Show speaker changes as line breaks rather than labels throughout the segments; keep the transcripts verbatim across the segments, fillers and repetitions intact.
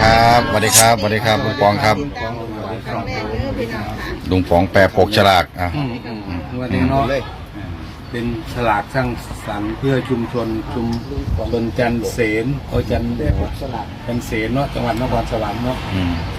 ครับสวัสดีครับสวัสดีครับลุงปองครับลุงปองแปรปกฉลากอ่ะ
วันนี้เนาะเป็นฉลากสร้างสรรค์เพื่อชุมชนชุมชนจันเสนโอจันจันเสนเนาะจังหวัดนครสวรรค์เนาะ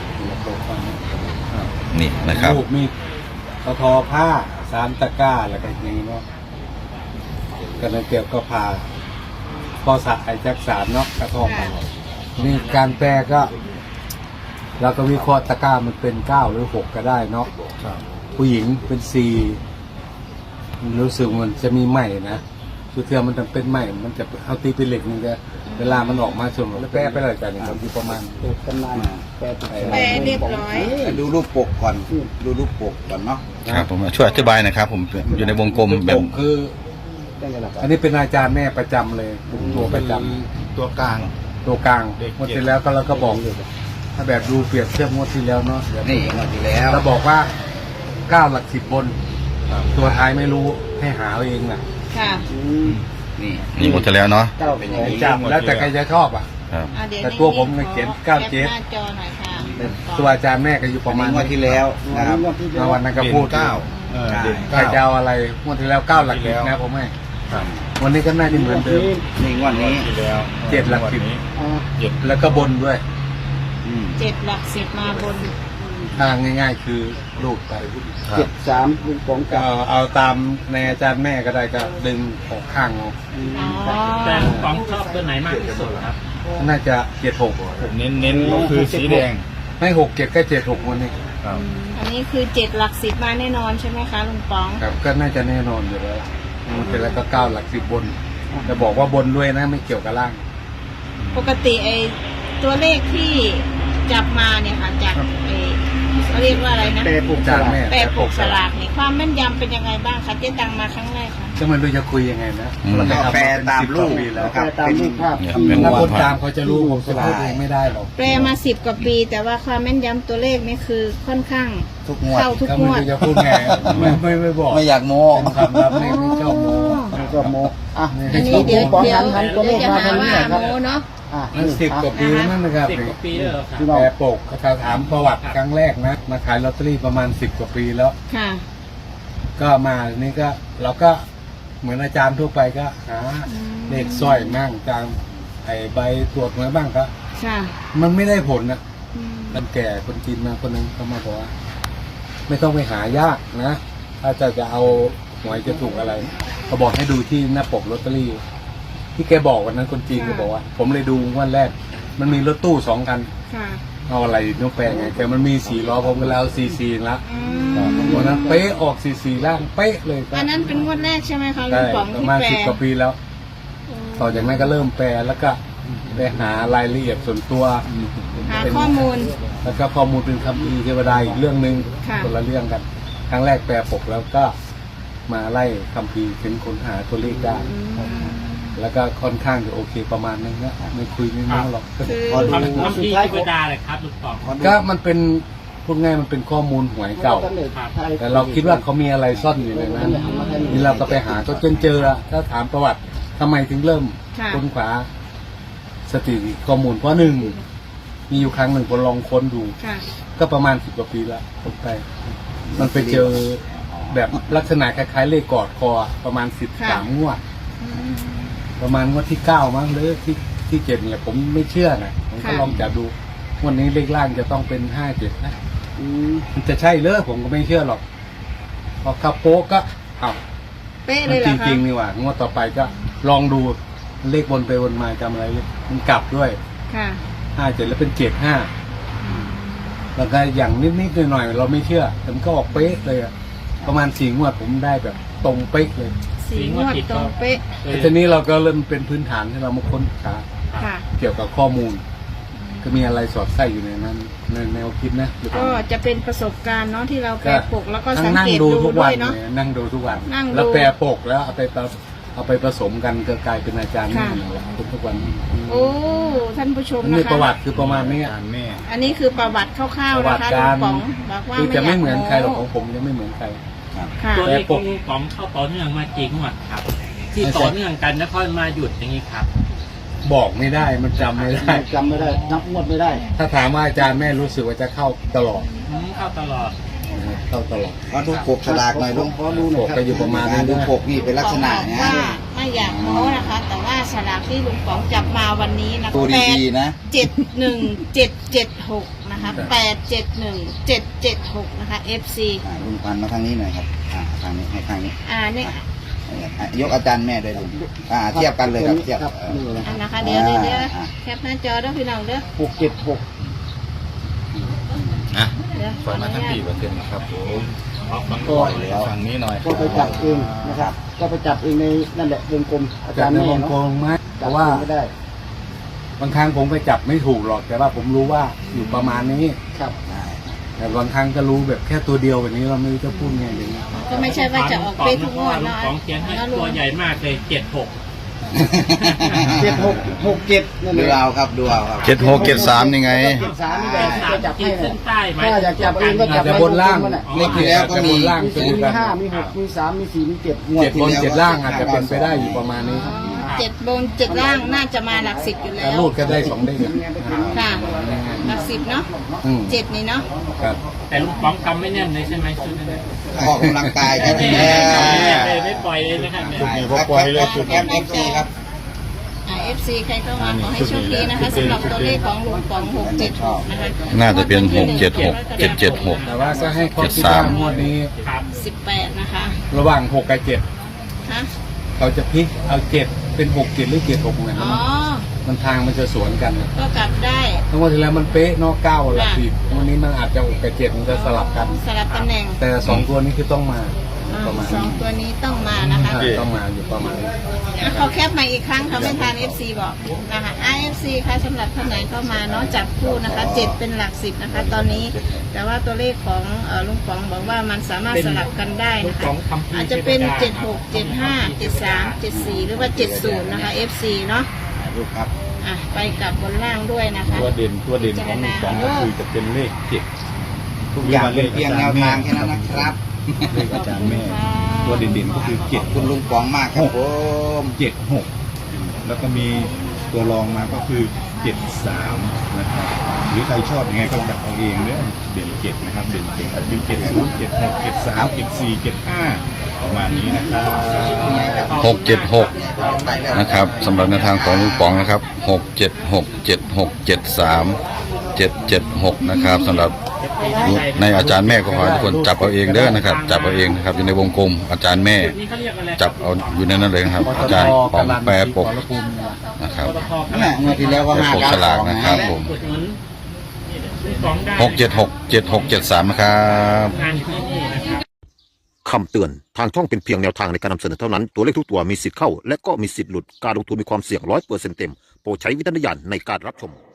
นี่นะครับ
รูปมีกระทอผ้าสามตะกร้าอะไรกันอย่างนี้เนาะกันเกี่ยวก็พาพอสักไอจักสารเนาะกระทอผ้านี่การแปลก็เราก็วิเคราะห์ตะกร้ามันเป็นเก้าหรือหกก็ได้เนาะผู้หญิงเป็นสี่รู้สึกมันจะมีไหมนะคือเทือมันจะเป็นไหมมันจะเอาตีเป็นเหล็กนึงก็เวลามันออกมาส่วนแล้วแปะไปเลยกันครับที่ประมาณ
กันนานแปะ
แปะเรียบร้อย
ดูรูปปกก่อนดูรูปปกก่อนเนาะ
ครับผมช่วยอธิบายหน่อยครับผมอยู่ในวงกลมแบบ
คืออันนี้เป็นอาจารย์แม่ประจำเลยตัวประจ
ำตัวกลาง
ตัวกลางงวดที่แล้วก็เราก็บอกถ้าแบบดูเปรียบเทียบงวดที่แล้วเนาะ
นี่งวดที่แล้ว
เราบอกว่าเก้าหลักสิบบนตัวท้ายไม่รู้ให้หาเองนะ
ค่ะ
นี่
นี่หมดแล้วเนาะ
จำแล้วแต่ใครจะชอบอ่ะแต่ตัวผมเขียนเก้าเจ็ดตัวอาจารย์แม่ก็อยู่ประมาณ
งวดที่แล้วนะครับ
วันนั้นก็พูดเก้าใครจะเอาอะไรงวดที่แล้วเก้าหลักสิบนะผมให้วันนี้ก็น่าจะเหมือนเดิม
นี่งวดนี้
เจ็ดหลักสิบแล้วก็บนด้วย
เจ็ดหลักสิบมาบน
ทางง่ายๆคือลูกไป
เจ็ดสามลุงปองกับ
เอาตามในอาจารย์แม่ก็ได้ก็ดึงออกข้างเอา
แต่ลุงปองชอบตัวไหนมากที่สุดครับ
น่าจะเจ็ดหก
เน้นเน้นก็คือสีแดง
ไม่หกเจ็ดก็เจ็ดหกวันนี้
อันนี้คือเจ็ดหลักสิบมาแน่นอนใช่ไหมคะลุงปอง
ครับก็น่าจะแน่นอนอยู่แล้วมันเป็นแล้วก็เก้าหลักสิบบนจะบอกว่าบนด้วยนะไม่เกี่ยวกับล่าง
ปกติไอ้ตัวเลขที่จับมาเนี่ยค่ะจากไอ้เขาเรียกว่าอะไรนะ
แปรปกฉลาก
แปรปกฉลากเนี่ยความแม่นยำเป็นยังไงบ้างคะเจ๊ตังมาครั้งแรกค่ะ
จะมันรู้จะคุยยังไงนะ
แปรตามรูป
นะครับตามรูปภาพถ้าคนตามเขาจะรู้ผมจะพูดเองไม่ได้หรอก
แปรมาสิบกว่าปีแต่ว่าความแม่นยำตัวเลขนี่คือค่อนข้างเข้าทุกงวด
จะพูดไงไม่ไม่ไม่บอก
ไม่อยากโม้
คำรับไม่ชอบโม้
ไม่ชอบโม้อ่ะ
อันนี้เดี๋ยวเดี๋ยวเดี๋ยวจะหาว่าโม้เนาะ
สิบกว่าปีนั่นนะครับ
สิบกว่าปีแล้ว
แปรปกเขาถามประวัติครั้งแรกนะมาขายลอตเตอรี่ประมาณสิบกว่าปีแล้ว
ค่ะ
ก็มานี่ก็เราก็เหมือนอาจารย์ทั่วไปก็หาเลขสร้อยมั่งจางไอใบตรวจมาบ้างก็มันไม่ได้ผลนะคนแก่คนจีนมาคนนึงเขามาบอกว่าไม่ต้องไปหายากนะถ้าจะจะเอาหวยจะถูกอะไรเขาบอกให้ดูที่หน้าปกลอตเตอรี่ที่แกบอกวันนั้นคนจีนก็บอกว่าผมเลยดูวันแรกมันมีรถตู้สองคันเอาอะไรน้องแปลงไงแต่มันมีสี่ล้อผมก็แล้วซีซีละวันนั้นเป๊ะออกซีซีล่างเป๊ะเลย
อันนั้นเป็นงวดแรกใช่ไหมคะลุงป๋อง
ที่แปลประมาณสิบกว่าปีแล้วต่อจากนั้นก็เริ่มแปลแล้วก็ไปหารายละเอียดส่วนตัว
หาข้อมูล
แล้วก็ข้อมูลเป็นคำพีเทวดาอีกเรื่องหนึ่งคนละเรื่องกันครั้งแรกแปลปกแล้วก็มาไล่คำพีถึงค้นหาตัวเลขได้แล้วก็ค่อนข้างจะโอเคประมาณนึงนะไม่คุยไม่มากหรอก
พอดูสุดท้ายเวลาเลยครับลุงปอง
ก็มันเป็นพูดง่ายมันเป็นข้อมูลหวยเก่าแต่เราคิดว่าเขามีอะไรซ่อนอยู่ในนั้นนี่เราก็ไปหาก็จนเจอถ้าถามประวัติทำไมถึงเริ่มค้นคว้าสถิติข้อมูลเพราะหนึ่งมีอยู่ครั้งหนึ่งผมลองค้นดูก็ประมาณสิบกว่าปีแล้วผมไปมันไปเจอแบบลักษณะคล้ายๆเลขกอดคอประมาณสิบสามงวดประมาณงวดที่เก้ามั้งหรือที่ที่เจ็ดเนี่ยผมไม่เชื่อนะผมก็ลองจับดูวันนี้เลขล่างจะต้องเป็นห้าเจ็ดนะมันจะใช่เลยผมก็ไม่เชื่อหรอกพอขับโป๊กก็เอา
เป๊ะเลย
จริงๆนี่หว่างวดต่อไปก็ลองดูเลขบนไปวนมาจำอะไรเลยมันกลับด้วยห้าเจ็ดแล้วเป็นเจ็ดห้าแล้วก็อย่างนิดๆหน่อยๆเราไม่เชื่อแต่มันก็ออกเป๊ะเลยอะประมาณสี่งวดผมได้แบบตรงเป๊ะเลย
สี่งวดตรงเป๊ะ
ทีนี้เราก็เริ่มเป็นพื้นฐานที่เรามาค้นหาเกี่ยวกับข้อมูลก็มีอะไรสอดไส้อยู่ในนั้นในแนวคิดนะ
ก็จะเป็นประสบการณ์เนาะที่เราแปรปกแล้วก็สังเกตดูด้วยเนาะ
นั่งดูทุกวันแล้วแปรปกแล้วเอาไปเอาไปผสมกันก็กลายเป็นอาจารย์นี่แหละทุกวัน
โอ้ท่านผู้ชมนะคะ
นี่ประวัติคือประมาณนี้
อันนี้คือประวัติคร่าวๆนะคะลุงป๋องบอกว่า
คือจะไม่เหมือนใครหรอกของผมจะไม่เหมือนใคร
ตัวเลขของลุงป๋องเข้าต่อเนื่องมาจริงหมดครับที่ต่อเนื่องกันแล้วค่อยมาหยุดอย่างนี้ครับ
บอกไม่ได้มันจำไม่ได้
จำไม่ได้นับงวดไม่ได้
ถ้าถามว่าอาจารย์แม่รู้สึกว่าจะเข้าตลอด
อืมเข้าตลอด
เข้าตลอด
เอาดูปกฉลากหน่อยลุง
ขอดูหน่อยครับก็อยู่ประมาณนี้
ดูปกนี่เป็นลักษณะ
บอก
นะ
ว่าไม่อยากโม้นะคะ แต่ว่าสลากที่ลุงป๋องจับมาวันนี้นะ
ตัว
แปด
ดีๆนะ
เจ็ดหนึ่งเจ็ดเจ็ดหกนะคะแปดเจ็ดหนึ่งเจ็ดเจ็ดหกนะคะ เอฟ ซี
อ่าลุงพันมาทางนี้หน่อยครับอ่าทางนี้ให้ทางนี้
อ่านี่
อ่ะยกอาจารย์แม่ด้วยลุงอ่าเทียบกันเลยครับเทียบเออ
อันนะคะ เดี๋ยวเดี๋ยวเดี๋ยว
อ่า
แคปหน้าจอเด้อพี่น้องเด้อ
หกเจ็ดหก
อ่ะ
เดี๋ยวข
ปล่
อ
อย
อ
มา
นุ
ทั้ง
ญา
ปี
ต
เปอร์เซ็นต์นะครับผม
ก็
ฝั่งนี้หน่อย
ก็ไปจับเองนะครับ ก็ไปจับเองในนั่นแหละวงกลมอา
จั
จา
บ
รย์
ใน
แม่
วง
เนาะ
กลมไหมเพ
จับ
ราะว่า
เองไม่ได้
บางครั้งผมไปจับไม่ถูกหรอก แต่ว่าผมรู้ว่าอยู่ประมาณนี้
ครับ
แต่บางครั้งก็รู้แบบแค่ตัวเดียวแบบนี้เราไม่รู้จะพูดไงอย่างนี้
ก็ไม่ใช่ว่าจะออกเป๊ะทุกงวด
ลุง
เนาะ
ป๋องเขียนให้
แล้วลุ
ตัว
ง
ใหญ่มากเลยเจ็ดหก
เจ็ดหกหกเจ็ดนั่นดูเอาครับดูเอาครับ
เจ็ดหกเจ็ดสามนี่ไง
เจ็ดสามนี่แหละ
สา
จะ
ม
จับ
ขี
ให้
ดเส้
นะ
นใต้ไหม
ถ้าอยากจับเองก็จั
อา
บ
จจะบนล่าง
มันน่ะ
เลขที่แล้วก็มีล่าง
มี
เป็น
สี่มี
กัน
ห้ามีหกมีสามมีสี่มีเจ็ดงวด
เจ็ด
ที่
บน
แล้ว
เจ็ดล่างอาจจะเป็นไปได้อยู่ประมาณนี้
เจ็ดบนเจ็ดล่างน่าจะมาหลักสิบอยู่แล้
แต่
ว
รูดก็ได้สองเด้งอะ
ค่ะหลักสิบเนาะ
อืม
เจ็ดนี่เนาะ
ครับ
แต่ลุงป๋องกำไม่แน่นเลยใช่ไหมชุดนั้น
ออกกำลังกายกัน
ไม่
แน่
เลยไม่ปล่อยเลยนะครับเนี่ย
แอมเอฟซีครับ
อ่า เอฟ ซี ใครเข้ามาขอให้โชคดีนะคะสำหรับตัวเลขของลุงป๋องหกเจ็ดหกนะคะ
น่าจะเป็นหกเจ็ดหกเจ็ดเจ็ดหก
แต่ว่าจะให้ข้อคิด
เจ็ดสา
ว่าม งวดนี้
ครับ
สิบแปดนะคะ
ระหว่างหกกับเจ็ด
ฮะ
เขาจะพลิกเอาเจ็ดเป็นหกเจ็ดหรือเจ็ดหกไง
อ๋อ
มันทางมันจะสวนกันนะ
ก็กลับได้
ทั้งวันที่แล้วมันเป๊ะเนอกเก้าหลักสิบวันนี้มันอาจจะหกกับเจ็ดมันจะสลับกัน
สลับตำแหน่ง
แต่สองตัวนี้คือต้องมา
อ่า
ประมาณ
สอง
นี้
ตัวนี้ต้องมานะคะ
ใช่ต้องมาอยู่ประมาณนี้
อ่ะเขาแคปมาอีกครั้งเขาไม่ทาน เอฟ ซี บอกนะคะ เอฟ ซี ค่ะสำหรับท่านไหนเข้ามาเนาะจับคู่นะคะเจ็ดเป็นหลักสิบนะคะ ตอนนี้ แต่ว่าตัวเลขของเอ่อลุงป๋องบอกว่ามันสามารถสลับกันได้
ลุง
นะ
ป๋
คะ
องคำพีร์
อาจจะเป็น
ทพดา
เจ็ดหก เจ็ดห้า เจ็ดสาม เจ็ดสี่หรือว่าเจ็ดศูนย์นะคะ เอฟ ซี เนาะ
ลูกครับ
อ่ะไปกับบนล่างด้วยนะคะ
ตัวเด่นตัวเด่นของลุงป๋องก็คือจะเป็นเลขเจ็ด
ทุกอย่างเป็นเพียงแนวทางแค่นั้นนะครับ
เลขอาจารย์แม่ ตัวเด่นๆก็คือเจ็ด
คุณลุงป๋องมากครับผม
เจ็ดหกแล้วก็มีตัวรองมาก็คือเจ็ดสามนะครับหรือใครชอบยังไงก็จับเอาเองเด้อเด่นเจ็ดนะครับเด่นเจ็ดอาจจะเป็นเจ็ดศูนย์เจ็ดหกเจ็ดสามเจ็ดสี่เจ็ดห้าประมาณนี้นะครับ
หกเจ็ดหกนะครับสำหรับแนวทางของลุงป๋องนะครับหกเจ็ดหกเจ็ดหกเจ็ดสามเจ็ดเจ็ดหกนะครับสำหรับในอาจารย์แม่ก็ขอให้ทุกคนจับเอาเองเด้อนะครับ จับเอาเองนะครับอยู่ในวงกลมอาจารย์แม่
นี่เขาเรียกอะไร
จับเอาอยู่ในนั้นเลยนะครับ
ปต
อา
ท
จารย์ป๋อง
กาลัน
แปรปก
ขอรภูมินี่แหละ
นะครับ
ปตท
นั่นแหละงวดที่แล้วก็
แปร
ห้า
ปก
เก้า
ฉ
ส
ลา
อก ง
นะ
นะครับ
ผม
อุดหนุนลุงป๋องได้
หกเจ็ดหกเจ็ดหกเจ็ดสามนะครับ
งานอยู่ที่นี่นะครับ
คำเตือน ทางช่องเป็นเพียงแนวทางในการนำเสนอเท่านั้น ตัวเลขทุกตัวมีสิทธิ์เข้า และก็มีสิทธิ์หลุด การลงทุนมีความเสี่ยงร้อยเปอร์เซ็นต์เต็ม โปรดใช้วิจารณญาณในการรับชม